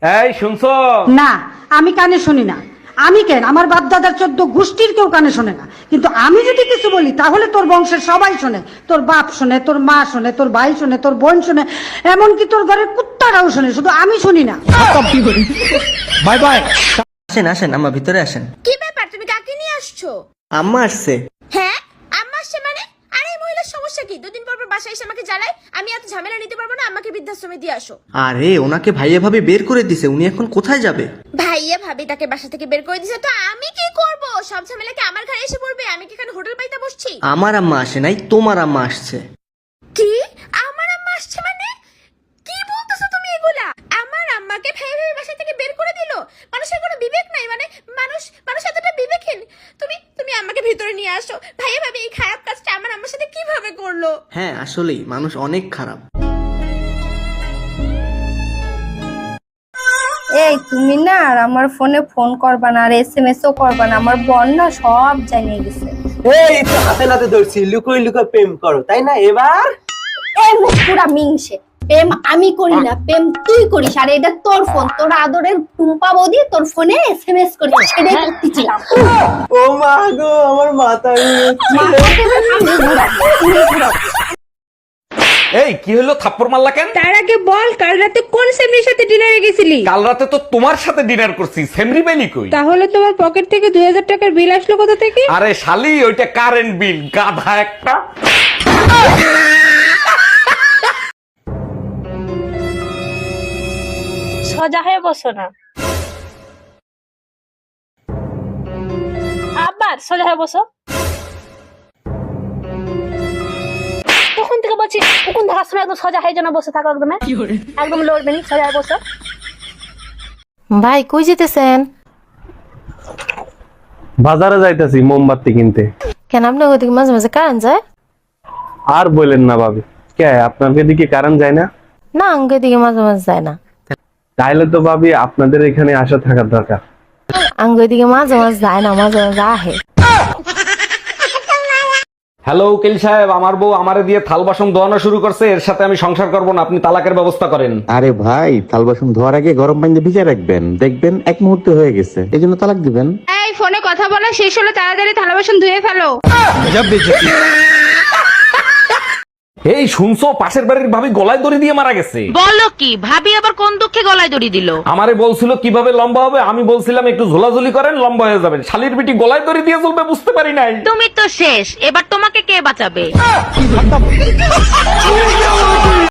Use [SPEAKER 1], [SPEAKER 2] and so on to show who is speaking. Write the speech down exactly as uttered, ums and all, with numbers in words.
[SPEAKER 1] এই শুনছো?
[SPEAKER 2] না, আমি কানে শুনি না। আমি কেন, আমার বাপ দাদার চোদ্দ গোষ্ঠীর কেউ কানে শোনে না, কিন্তু আমি যদি কিছু বলি তাহলে তোর বংশের সবাই শোনে। তোর বাপ শোনে, তোর মা শোনে, তোর ভাই শোনে, তোর বোন শোনে, এমনকি তোর ঘরের কুত্তারাও শোনে, শুধু আমি শুনি না।
[SPEAKER 3] Bye bye. আসেন আসেন, আম্মা ভিতরে আসেন।
[SPEAKER 4] কি ব্যাপার, তুমি কাকে নিয়ে আসছো?
[SPEAKER 3] আম্মা আসছে।
[SPEAKER 4] হ্যাঁ, আম্মা আসছে মানে? আরে এই মহিলার সমস্যা কি? দুদিন পর পর বাসায় এসে আমাকে জ্বালায়। আমি এত ঝামেলা নিতে পারবো না, আমাকে বৃদ্ধাশ্রমে দিয়ে আসো।
[SPEAKER 3] আরে ওনাকে ভাইয়া ভাবে বের করে দিছে, উনি এখন কোথায় যাবে?
[SPEAKER 4] ভাইয়া ভাবি তাকে বাসা থেকে বের করে দিছে, তো আমি কি করব? সব ঝামেলা কি আমার ঘরে এসে পড়বে? আমি কি এখানে হোটেল পাইতে বসছি?
[SPEAKER 3] আমার আম্মা আসে নাই, তোমার আম্মা আসছে।
[SPEAKER 4] কি? আমার আম্মা আসছে মানে? কি বলতেছো তুমি এগুলা? আমার আম্মাকে ভাইয়া ভাবি বাসা থেকে বের করে দিল? মানুষের কোনো বিবেক নাই মানে? মানুষ মানুষ এতটা বিবেকহীন? তুমি তুমি আমাকে ভিতরে নিয়ে আসো। ভাইয়া ভাবি এই খারাপ কাজটা আমার আম্মার সাথে কিভাবে করলো?
[SPEAKER 3] হ্যাঁ আসলেই মানুষ অনেক খারাপ।
[SPEAKER 5] এই তুমি না আর আমার ফোনে ফোন করবা না, আর এসএমএস ও করবা না, আমার বোন না সব জানিয়ে গেছে।
[SPEAKER 6] এই তো হাতে নাতে ধরছি, লুকোই লুকোই প্রেম করো তাই না? এবার
[SPEAKER 5] এই মুখ পুরা মিংসে। প্রেম আমি করি না, প্রেম তুই করিস, আর এটা তোর ফোন, তোর আদরের টুম্পা বৌদি তোর ফোনে এসএমএস করিস, সেটাই করতেছিলাম।
[SPEAKER 6] ও মা গো, আমার মাথা
[SPEAKER 1] এই কি হলো, থাপ্পড় মারলা কেন?
[SPEAKER 7] তার আগে বল, কাল রাতে কোন সেমরির সাথে ডিনারে গেছিলি?
[SPEAKER 1] কাল রাতে তো তোমার সাথে ডিনার করছি, সেমরি বেলি কই?
[SPEAKER 7] তাহলে তোমার পকেট থেকে দুই হাজার টাকার বিল আসলো কোথা থেকে?
[SPEAKER 1] আরে শালি, ওইটা কারেন্ট বিল, গাধা একটা।
[SPEAKER 8] সোজা হয়ে বসো না, আবার সোজা হয়ে বসো। তখন থেকে বলছি তখন দেখার সময় একদম সোজা হয়ে যেন বসে থাকো, একদম একদম লড়বে না, সোজা হয়ে বসো।
[SPEAKER 9] ভাই কই যেতেছেন?
[SPEAKER 10] বাজারে যাইতেছি মোমবাতি কিনতে।
[SPEAKER 9] কেন আপনার ওদিকে মাঝে মাঝে কারেন্ট যায়?
[SPEAKER 10] আর বলেন না ভাবি, কে আপনাদের দিকে কারেন্ট যায় না?
[SPEAKER 9] না, আঙ্গের দিকে মাঝে মাঝে যায় না।
[SPEAKER 10] তাইলে তো ভাবি আপনাদের এখানে আসা থাকার দরকার।
[SPEAKER 9] আঙ্গের দিকে মাঝে মাঝে যায় না, মাঝে মাঝে আহে।
[SPEAKER 1] হ্যালো উকিল সাহেব, আমার বউ আমারে দিয়ে থাল বাসন ধোয়ানো শুরু করছে, এর সাথে আমি সংসার করব না, আপনি তালাকের ব্যবস্থা করেন।
[SPEAKER 11] আরে ভাই, থাল বাসন ধোয়ার আগে গরম পানিতে ভিজিয়ে রাখবেন, দেখবেন এক মুহূর্তে হয়ে গেছে, এই জন্য তালাক দিবেন।
[SPEAKER 7] এই ফোনে কথা বলা শেষ হলো, তাড়াতাড়ি থালা বাসন ধুয়ে ফেলো।
[SPEAKER 1] এই শুনছো, পাশের বাড়ির ভাবি গলায় দড়ি দিয়ে মারা গেছে।
[SPEAKER 7] বলো কি? ভাবি আবার কোন দুঃখে গলায় দড়ি দিল?
[SPEAKER 1] আমারে বলছিল কিভাবে লম্বা হবে, আমি বলছিলাম একটু ঝোলাঝুলি করেন, লম্বা হয়ে যাবেন। শালির বিটি গলায় দড়ি দিয়ে চলবে, বুঝতে পারি নাই।
[SPEAKER 7] তুমি তো শেষ, এবার তোমাকে কে বাঁচাবে?